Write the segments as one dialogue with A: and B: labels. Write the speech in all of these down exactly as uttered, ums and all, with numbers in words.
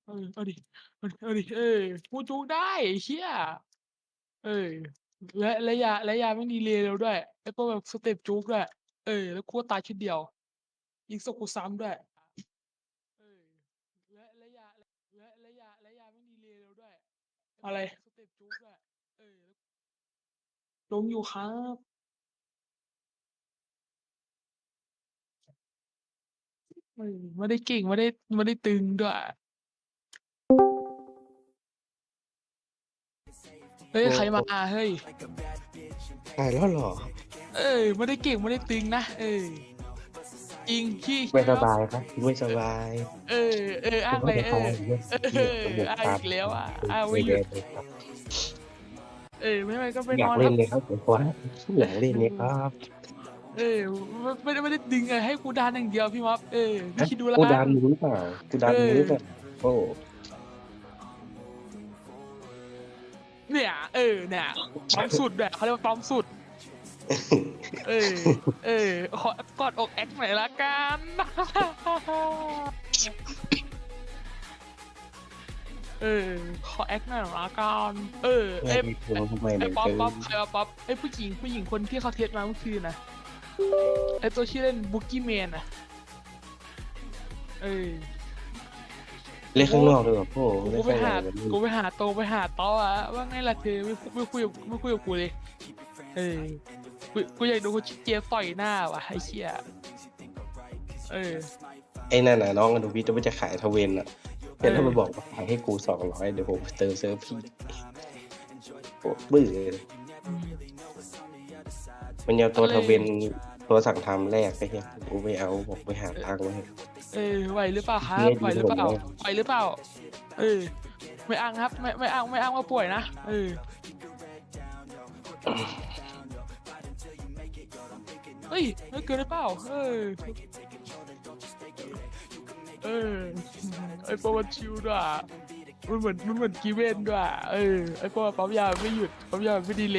A: เออเอาดิเอาดิเอาดิเออกูจุกได้ไอ้เหี้ยเออและและยาและยาแม่งดีเลย์เร็วด้วยแล้วก็แบบสเต็ปจุกด้วยเออแล้วกูก็ตายชุดเดียวยิงศพกูซ้ำด้วยเออและและยาและและยาและยาแม่งดีเลย์เร็วด้วยอะไรสเต็ปจุกด้วยเออล้มอยู่ครับเออไม่ได้เก่งไม่ได้ไม่ได้ตึงด้วยเฮ้ย
B: โอ้
A: ใครมา
B: โอ้
A: เฮ้ย
B: ตายแล้วเหรอ
A: เออไม่ได้เก่งไม่ได้ตึงนะเออจริงขี้
B: ไม่
A: ขี้ครับ
B: สบายครับไม่สบาย
A: เออเอออ้า
B: คือ
A: งเลยเออ
B: ว่าจะตายเรื่อง
A: เออ
B: เหี้ยจมูก
A: อ้าง
B: ตัน
A: อีกแล้วอ่ะ
B: เป็น
A: อ้าง
B: เว
A: ไม่หยุด
B: เดนเลยครับ
A: เออไม่ไม่ก็ไป
B: อยาก
A: นอนครับ
B: เล่นเลยครับผมว่าอยากเล่นเนี่ยครับ
A: เออไม่ไม่ได้ไม่ได้ดึงไงให้กูดันอย่างเดียวพี่ม็อบเออพี่
B: ฮะ
A: คิดดูแล้วกัน
B: กูดันมึงหรือเปล่ากูดั
A: เอ
B: นมึงหรือเปล่า
A: อ
B: โอ้
A: เนี่ยเออเนี่ยปั๊มสุดแบบเขาเรียกว่าปั๊มสุดเออเออขอกอดอกแอคหน่อยละกันเออขอแอคหน่อยละกันเออ
B: ไม่
A: เอ้
B: มีทวงทำไม
A: ไอ้
B: เนี่ยเกิน
A: ป๊อปป๊อปใครวะป๊อปไอ้ผู้หญิงผู้หญิงคนที่เขาเทสมาเมื่อคืนนะไอ้ตัวชื่อเล่นบุกกี้แมนอะเออ
B: เล่นข้างนอกด้วยเหรอโอ้
A: กู
B: เล่น
A: ไปหา
B: ข้างในมัน
A: กูไปหาโตไปหาต้ออะว่าไงล่ะเธอไม่ไม่คุยกับไม่คุยกับกูเลยเออกูกูอยากดูคนเจี๊ยบต่อยหน้าว่ะไอ้เชี่ยเออ
B: ไอ้นั่นน่ะน้องอนุวิทย์ว่าจะขายทเวนอ่ะ
A: เออ
B: เสร็จแล้วมาบอกว่าขายให้กูสองร้อยเดี๋ยวผมเติมเซิร์ฟพี่โอ้บื้อเลย
A: อืม
B: มันเอาตัว
A: อะไร
B: ทเวนตัวสั่งทำแรกไปเฮียกูไม่เอาบอกไปหาตังค์ไว้
A: เออไหวหรือเปล่าครั
B: เฮี
A: บ
B: ยดีผม
A: ไหวหรือเปล่า
B: เลย
A: ไหวหรือเปล่าเออไม่อ้างครับไม่ไม่อ้างไม่อ้างว่าป่วยนะเออเฮ้ยไม่เกินหรือเปล่าเออเออไอ้ปวันชิวด้วยอะมันเหมือนมันเหมือนกีเวนด้วยอะเออไอ้ปวันปั๊มยาไม่หยุดปั๊มยาไม่ดีเลย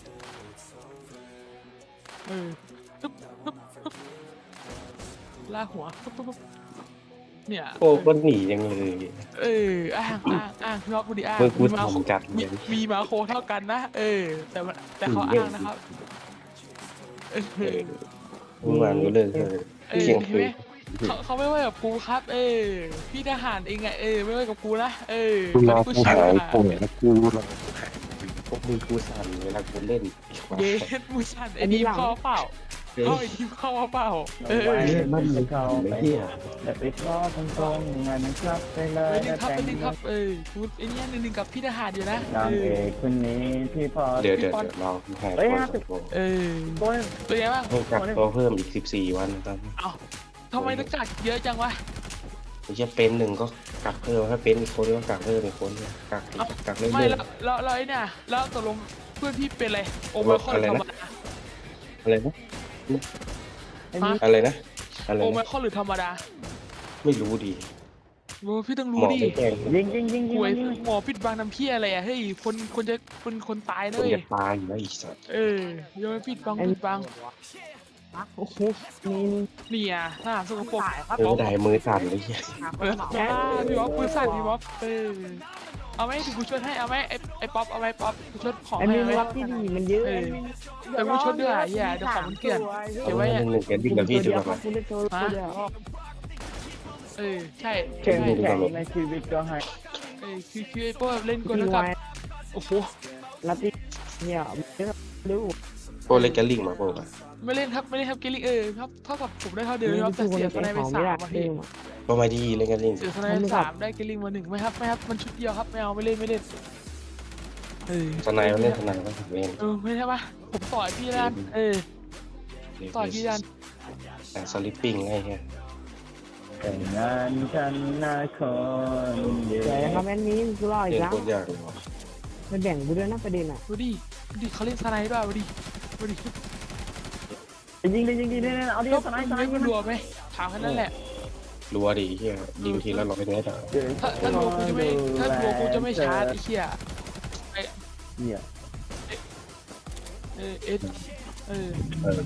A: เออปึ๊บปึ๊บปึ๊บลากหัวปึ๊บปึ๊บปึ๊บเนี่ย
B: โอ้
A: เออ
B: ก็หนียังเลย
A: เอออ้างอ้างอ้างพี่อ๊อฟพูดดิอ้าง
B: เมื่อกู
A: มีมาโค
B: ทำจัด
A: มี
B: เลย
A: มีมาโคเท่ากันนะเออแต่มันแต่เขา
B: หนีเยอะ
A: อ้างนะครับเอ
B: เออ
A: อ
B: เมื่อวานก็เลิกเลย
A: เออ
B: เที่ยง
A: เห็นไหม
B: คืน
A: เขาเขาไม่ว่ากับกูครับเออพี่ทหารเองไงเออไม่ว่ากับกูนะเออ
B: กูรอ
A: คนที่กู
B: กูหาย
A: ชิวอ่ะ
B: ป่วยแล้วกูรอกูหายพวกมึงกูสั่นเวลากูเล่น
A: เย็ดมูชันไอ้ดีมเข้าเปล่า
B: เฮ้
A: เข้า
B: ย
A: ไอ้ดีมเข้าเปล่าเออ
C: ไว้
B: มันมี
C: เขา
B: ไอ้
C: ไป
B: เหี้ย
C: แต่ไปรอตรงๆงานมันครับไปเล
A: ไป
C: ย
A: หนึ่
C: นะ
A: งครับ
C: แต่
A: ไป
C: ง
A: หนึ่งครับเออพูดไอ้เนี่ยหนึ่งหนึ่งกับพี่ทหารอยู่นะ
C: นาง
A: เอ
C: เอ
A: อก
C: คนนี้พี่พอ
B: เดี๋ยวเดี๋ยวเดี๋ยวรอกูหาย
C: เฮ้ย
B: ป่วย
C: ห้า
B: ก่
C: สิ
B: อบ นกู
A: เออ
C: คน
A: เป็นไงบ้าง
B: ต้องกักตัวเพิ่มอีกสิบสี่วันตอน
A: เอ้าทำไมต้องกักเยอะจังวะ
B: ไอ้เหี้ยเป็นหนึ่งก็กักเพิ่มถ้าเป็นอีกคนก็กักเพิ่มอีกคนกัก
A: เอ้า
B: กักเรื่
A: ไม่
B: อย
A: แล้วแล้วแล้วไอ้เนี่ยแล้วตกลงเพื่อนพี่เป็นอะไรโอไมครอนหรือธรรมดา
B: ๆอะไรนะ
A: ฮะ
B: อะไรนะอะไร
A: โอไม
B: นะ
A: ครอนหรือธรรมดา
B: ไม่รู้ดี
A: โอ้พี่ต้อง
B: หม
A: รู้
B: อ
A: ดิ
B: ไม่แจ้ง
C: ยิงยิงยิงยิ
A: ป่
C: ง
A: วย
C: ยิง
A: หมอปิดบังน้ำพี่อะไรอ่ะเฮ้ยคนคนจะคนคนตาย
B: ค
A: เล
B: น
A: ย
B: จะตายอยู่แล้วอีกสัตว์
A: เออยังไม่ปิดบังปิดบังโอ้โห
C: นี่
A: นี่อ่ะหน้าสกปรก
B: เออได้มือสั่นเลยเหี้ย
A: เออว้าพี่บ๊อบปืนสั่นพี่บ๊อบเออเอาไหมถึงกูช่วยให้เอาไหมไอ้ไอ้ป๊อปเอาไหมป๊อปกูช่วยของ
C: ไอ้
A: ให้
C: มี
A: เอาไหม
C: รับที่ดีมันเยอะ
A: เออแต่กูชดด้วยอ่ะเหี้ยเดี๋ยวของมันเกลื่อน เก็บไว้
B: ห
A: อะ
B: นึ่งหนึ่งแกดิ้งกับพี่ดีกว่าไหม
C: คุณเล่นโชว์ตัวเดียว
A: เออใช่
C: เก่ง
A: ใช่
C: แข่งในชีวิตก็ให้
A: เออคือคือไอ้พวกเล่นกลแล้วกับโอ้โห
C: รับที่เนี่ยดู
B: โอ้เล็กแกลิงมาโปล่ะ
A: ไม่เล่นครับไม่เล่นครับเกลิกเออครับเท่ากับผมได้เท่าเดิมครับแต่เสียสไนไปสามอ่ะพี่
B: ก็มาดีเล็กแกลิง
A: เสียสไนไปสามได้เกลิกมาหนึ่งไม่ครับไม่ครับมันชุดเดียวครับไม่เอาไม่เล่นไม่เล่นเออ
B: สไนมันเล่นสไนก็ถึงเอง
A: เออไม่ใช่ปะผมต่อยพี่ดันเออต่อยพี่ดัน
B: แต่สลิปปิ้งไงเงี้ย
C: แต่งงานกันนะคนเดียว
D: แต่คอมเมนต์นี้กูรออี
B: เล่
D: ก
B: น
D: แล้ว
B: โคตรยากเลยว่ะ
D: มันแบ่งกูด้วยนะประเด็นอ่ะ
A: ดูดิดูดิเขาเล่นสไนด้วยดูดิดูดิ
C: ยิงดิยิงดิเนี่ยเอาดิ
A: ก็
C: สไนด์สไน
A: ไม่
C: ด์
A: มันรัวไหมถามแค่นั้นแหละ
B: รัวดีเฮียยิงทีละร้อยเมตร
A: ถ้าถ้ารัวกูจะไม่ถ้ารัวกูจะไม่ชาร์จไอ้เหี้ย
C: เนี่ย
A: เออเอสเออ
B: เออ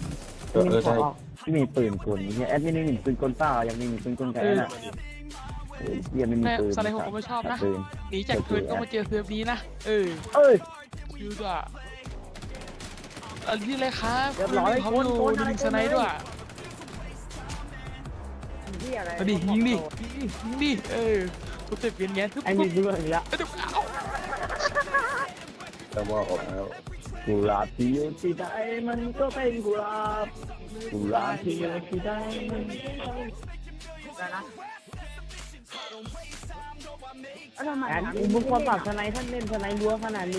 B: เออได้
C: ที่มีปืนกลเนี่ยแอดมินนี่มีปืนกลเปล่ายังมีมีปืนกลแกน่ะเหี้ยไม่มี
A: แต่
C: ปืน
A: สไลด์ผมก็ไม่ชอบนะ
C: ปืน
A: หนีจากเทิร์นก็มาเจอเซิร์ฟนี้นะเออ
C: เอ้ย
A: ดูด้วยอันนี้เลยครับ
C: เรียบร้อย
A: เขา
C: คน
A: ดู
C: คน
A: ดู
C: อะไร
A: ดึงสไนด์ด้วย
D: ที่อะไร
A: เอาดิยิงดิยิงดิเออกูเจ็บเวียนแงนทุบ
D: ไอ้
A: ทุ
D: มี
A: บ
D: กูเลยอีกแล้ว
A: เอ้ยเดี๋ยวเอา
B: แต่ว่าออกแล้ว
C: กุหลาบที่อยู่ที่ใดมันก็เป็นกุหลาบกุหลาบที่อยู่ที่ใดมันก็เป็น
D: นะแอนมึงควรปรับสไนท่านเล่นสไนรั้วขนาดนี้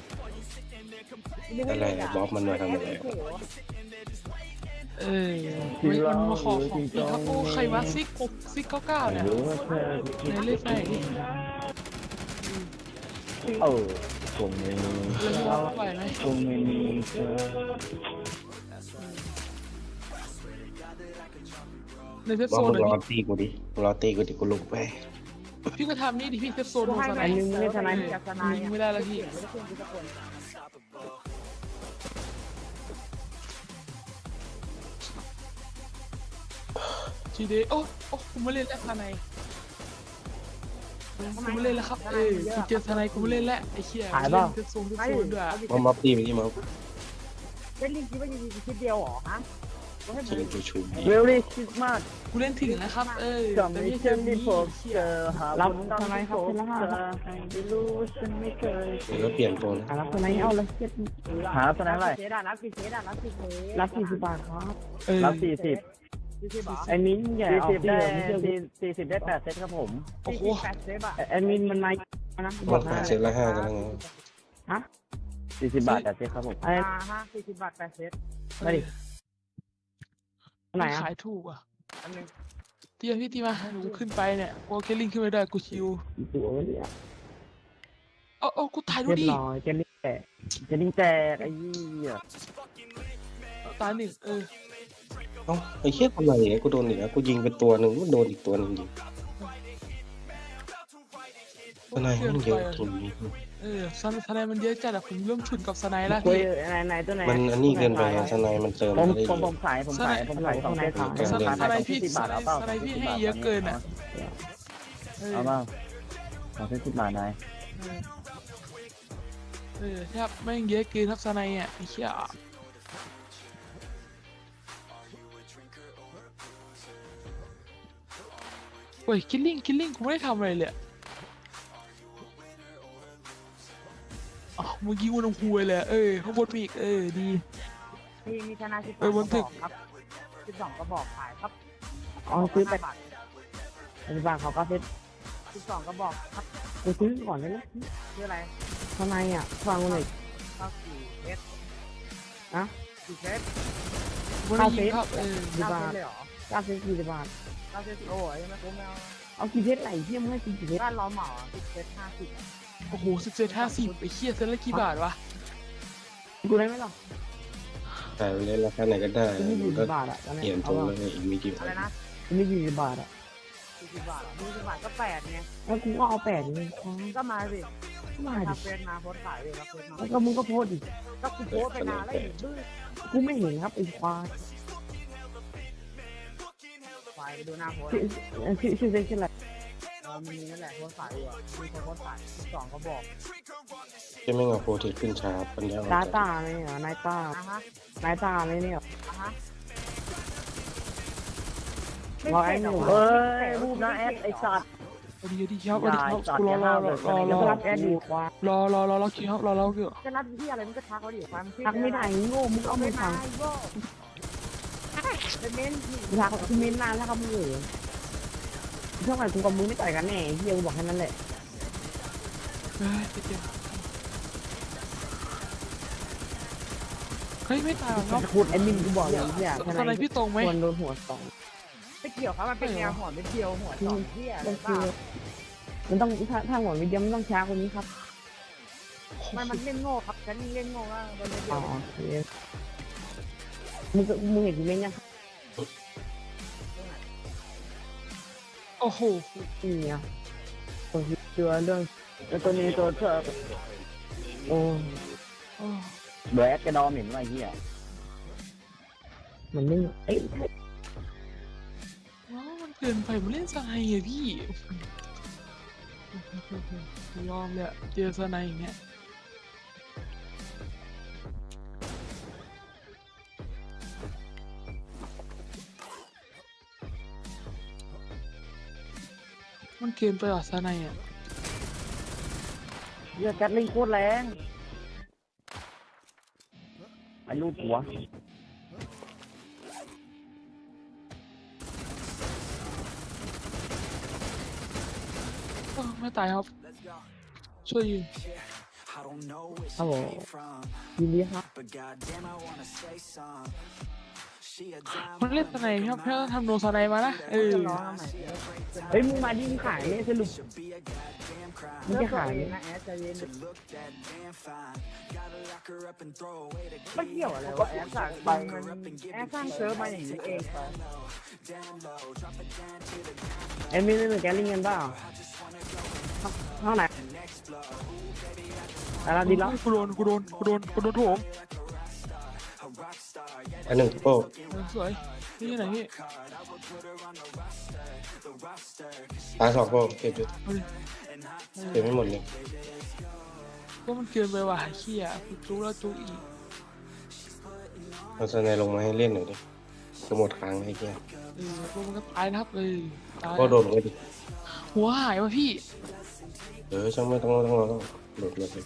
B: อะไรบ๊อบมันมาทำอะไร
A: เออไม่มันมาขอของพี่ครับโอ้ใครวะซิกหกซิกเก้าเก้าเนี่ย
C: รู้ว่าเธอ
A: ไหนเล่นไหนดิ
C: เออคงไม่มี
A: เล่นเราไหวไหม
C: คงไม่มีเธอ
A: ในเซฟ
B: บ๊อ
A: โซ
B: บ
A: น
B: มึง
A: เลย
B: รอตีกูดิรอตีกูดิกูลงไป
A: พี่ก็ทำนี่ดิพี่เซฟโซนลงสไน
D: ไอ้
A: ด์
D: มึงไม่สไนจากสไน
A: ยิงไม่ได้แล้วพี่จีเดโอ้โอ้กูไม่เล่นแล้วสไนด์กูไม่เล่นแล้วครับเออกูเจอสไนด์กูไม่เล่นแล้วไอ้เชี่ยเล่นเซฟโซนเซฟโซนด้วย
B: บ๊อบบ๊อบตีไปที่บ๊อบ
D: เป็นลิงคิดว่าจะมีคิดเดียวหรอฮะ
B: ชิงกูชู
C: เวลลี่คริสต์มาส
A: กูเล่นถึงนะครับเออ
C: ก็
A: แต่
C: ไม่
A: ไม่
C: ใช่
A: ใช่
C: ที่
A: มี
C: พบ
A: เชี่
C: เจ
A: ย
C: อหา
D: รับ
C: คนต้อง
D: สไนครับเป็นละห้า
C: เจอให้ไม่รู้ฉันไม่เคย
B: เดี๋ยวก็เปลี่ยนตัวนะ
D: รับสไนเอาเลยเจ็ด
C: หาสไนอะไร
D: เจ็ดรับกี่เจ็ดรับกี่เจ็ดรับสี่สิบบาทครับ
A: เออ
C: รับสี่สิบ
D: ไอ้มิ้นใหญ่
C: สี่
D: ออ
C: สิ
D: ก
C: บ
D: เดี
C: ได้
D: ยวไม่เชื่อ
C: สี่สี่สิบได้แปดเซตครับผม
A: โอ้โห
D: ไอ้มิ้นมันมานะบ
B: มั
D: อน ก
B: แป
D: นะ
B: ดเซตละห้ากันแล้วไง
D: ฮะ
C: สี่สิบบาทแปดเซตครับผม
D: ไอ้
E: ห้าสี่สิบบาทแปดเซต
D: มาดิไหนอ่ะ
A: ขายถูกอ่ะ
E: อันหนึง
A: เตียพี่ตีมาหนูขึ้นไปเนี่ยโอเคลิงขึ้นไปได้กูชิว
D: ตัวเนี่ย
A: เอาเอากูตายดู
D: เรียบ
A: ดิ
D: ร้อยเจนนี่แตก
C: จะดิ้งแตกไอ้ยี่
A: ตายหนึ่งเออ
B: เอ้าไอ้เหี้ยทำไมเนี่ยกูโดนอีกแล้วกูยิงไปตัวหนึ่งมันโดนอีกตัวหนึ่งยิงทนายมันเยอะจริง
A: เออสไนสไนมันเยอะจัดอะผมเริ่มฉุนกับสไนแล้ว
D: คุย
A: พี่
D: ไหนไหนตัวไหน
B: มันอันนี้เกินไปทนายมันเติม
C: ผม
B: ไม่ได้
C: ผม
B: เย
C: ผ
B: อะ
C: มขายผมขายผมขายสองเซต
B: สไน
A: สไนพี่
C: สิบบาทเอาเปล่า
A: สไนพี่ให้เยอะเกินอะเออ
C: เอาเปล่าสองเซตสิบบาทนาย
A: เออเออแทบแม่งเยอะเกินครับสไนอ่ะไอ้เหี้ยโอ้ยคิลลิ่งคิลลิ่งกูไม่ได้ทำอะไรเลยอะอ๋อเมื่อกี้กูน้ำหวยเลยอะเออข้างบนมีอีกเออดี
E: มีมีธนาสิบส
A: เอ
E: อ
A: อง บ
E: ก
A: น
E: ระ
A: ตึ
E: บอก กครับสิบสองกระบอกขายครับ
D: อ๋อซื้อไป
E: ห้าบาท
D: ปัจจุบันเขาก็เซ็ต
E: สิบสองกระบอกครับ
D: กูซื้อก่อนได้ไหม
E: ชื่ออะไร
D: ทำไมอ่ะฟังกูหน่อย
E: เก้าสี่เอส
D: อะ
E: สี่เซต
A: กูไม่ได้ยิงครับเออ
D: กี่
E: เก้า
D: บา
E: เซ
D: ท
E: ตเลยเหรอ
D: เก้าเซ็ตกี่บาท
E: เก้าเซตโอ้ยยังไม่คุ้มไม่เอา
D: เอากี่เพชรไหลเที่ยมให้กี่เพชร
E: บ้านล้อเหมาสิบเซตห้าสิบ
A: โอ้โหสิบเจ็ดห้าสิบไอ้เหี้ยเซนละกี่บาทวะ
D: กูได้ไหมล่ะ
B: แต่เล่นราคาไหนก็ได้
D: กูไม่กี่
B: ก็
D: บาทอ่ะตอน
B: เปลี่
D: นี้
B: ยนตั
D: เอา
B: ว
D: ว่า
B: เลยอีกไม่กี่
E: อะไรนะ
D: กูไม่กี่บาทอ่ะ
E: สี่สิบบาทเหรอสี่สิบบาทก็แปดไง
D: แล้วกูก็เอาแปดนี่ควาย
E: ก็มาสิ
D: มาดิ
E: ทำเฟซมาโพสต์ขายเลยครับเฟซมา
D: แล้วก็มึงก็โพสต์ดิ
E: ก็กูโพสต์ไปนานแล้วอีกดื้อ
D: กูไม่เห็นครับไอ้ควาย
E: ควายไปดูหน้าโพสต์
D: ชื่อชื่อชื่อเซ็ตชื่ออะไร
E: เออมีนั่นแหละโพสต์ขายอยู่อะมีคนโพสต์ขายสิบสองกระบอก
B: จะไม่เอาโปรเทคขึ้นช้าปัญญาอ่อน
D: ตา
B: จัด
D: ตาเลยเหรอนายตา
E: อ่ะฮะ
D: นายตาเลยเนี่ย
E: อ่ะฮะ
D: บอกไอ้หนู
C: เอ้ยรูปนะแอดไอสัตว์
A: เอาดีเอาดีครับเอาดีครับกูรอรอรอรอร
D: แล้ว
A: อ
D: ก็รับแอดดีควาย
A: รอรอรอรอคิวครับรอรอคิว
E: จะรับที่อะไรมันก็ทักเขาดิความน
D: ทักไม่ได้โง่มึง
E: เอา
D: เอา
E: ไป
D: มือ
E: มา
D: ทาง
E: ไอ้โง่เป็นเม้นที่
D: ทักคือเม้นนานแล้วครับมึงเอ๋ยช่วงไหนกูกับมึงไม่ต่อยกันแน่เฮียกูบอกแค่นั้นแหละ
A: เฮ้ยไปเจอเฮ้ยไม่ตายหรอกครับ
D: พูดแอดมินกูบอกเลยเฮีย
A: สไนพี่ตรงไหม
D: ควรโดนหัวสอง
E: ไม่เกี่ยวครับมันเป็นแนวหัวไม่เกี่ยวหัวสองที่อะไร
D: มัน
E: เป
D: คื
E: ล่า
D: อมันต้องถ้าถ้าหัววิดีโอมันต้องช้ากว่านี้ครับ
E: มันมันเล่นโง่ครับฉันเล่นโง่ว่าโดนเดี
D: อ๋
E: ย
D: อ
E: ว
D: โอเคมึงก็มึงเห็นกูเม้นยัง
A: โอ้โห
D: นี่ไงคนที่เจอเรื่องแล้วตัวนี้ตัวเธอโอ้
A: โอ้
C: เบรดกระดอมเห็นว่าไอ้เหี้ย
D: มันไม่เอ้ย
A: ว้าวมันเกินไปมันเล่นสไนอะพี่ยอมเลยอะเจอสไนอย่างเงี้ยมันเกินไปอ่ะสไนอ่ะ
D: เหี้ยแก๊สลิงโคตรแรงไอ้ลูกหัว
A: เออไม่ตายครับ ช่วยยิง
D: ครับผมยินดีครับ
A: มันเล่นสไนด์ครับแค่ต้องทำโนสไนด์มานะเออ
E: จะร้องทำไม
D: เฮ้ยมึงมาดิมึงขายเนี่ยสรุปมึงจะขาย
E: เอ
D: เนี่ย
E: งนะแอดใจเย็น
D: ไม่เกี่ยวอะไร
E: ก็
D: วะ
E: แอดสั่งไปมันแอดสร้างเซิร์ฟมาอย่างนี้เองไป
D: เอ็มมีเล่นแก๊สลิงกันเปล่าห้องไหนอะไรดีแล้ว
A: กูโดนกูโดนกูโดนกูโดนโถม
B: อันหนึ่งโป้
A: เออสวยนี่ที่ไหนพี่
B: ตายสองโป้เก็บอยู่
A: เอาดิ
B: เก็บไม่หมดเลย
A: ก็มันเกินไปว่ะเขี้ยจุกแล้วจุกอีก
B: เอาสไนลงมาให้เล่นหน่อยดิจะหมดครั้งไอ้เหี้ย
A: เออพวกมันก็ตายนะครับเออตาย
B: ก็โดนก็ดิ
A: หัวหายวะพี่
B: เออช่างไม่ต้องต้องต้องต้องโดดเลย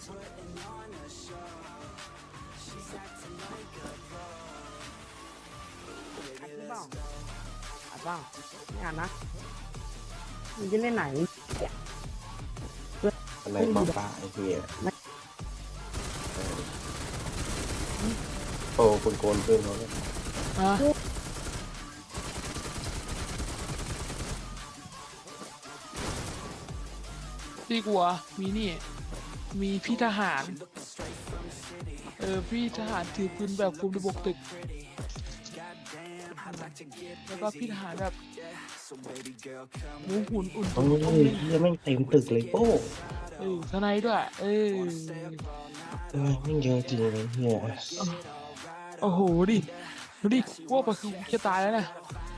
D: อัดหรือเปล่าอัดเปล่าไม่อ่านนะมึงจะเล่นไหน
B: สไนป้าป้าไอ้เหี้ยโป้คนโกนเพื่อนเขาเนี่ย
A: อ่ะดีกว่ามีนี่ มีพี่ทหาร เออพี่ทหารถือปืนแบบคุมระบบตึก แล้วก็พี่ทหารแบบหมูหุ่นอุ่น
B: โอ้ยเหี้ยแม่งเต็มตึกเลยโป้
A: เออสไนด์ด้วย เออ
B: เออแม่งเยอะจริงเลยเหี้ย
A: โอ้โหดิดูดิพวกมันคือจะตายแล้วนะ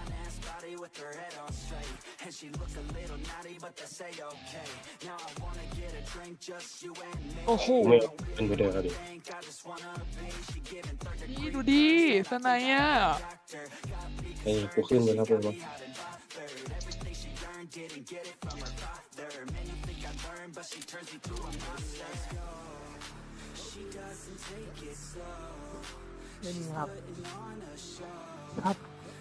A: โอ้โห
B: ไม่เป็นไปเดินเอาดิ
A: นี่ดูดิสไนด์อ่ะ
B: ไอ้กูขึ้นไปแล้วกูว่า
E: ไม่มีครับ
A: ครับ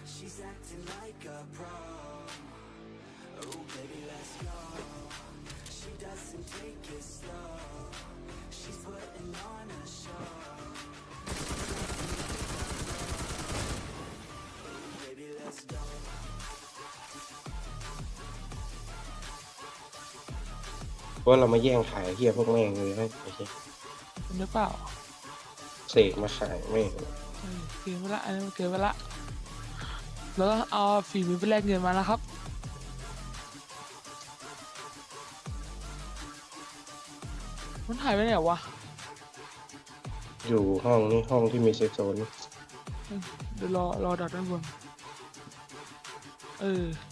B: ว่าเรามาแย่งขายเหี้ยพวกแม่งเลยนะไอ้เหี้ย
A: เป็นหรือเปล่า
B: เสกมาขายแม่ง
A: เออเกินไปละอันนี้มันเกินไปละแล้วก็เอาฝีมือไปแลกเงินมาแล้วครับมันหายไปไหนวะ
B: อยู่ห้องนี่ห้องที่มีเซฟโซน
A: เดี๋ยวรอรอดักด้านบนเออ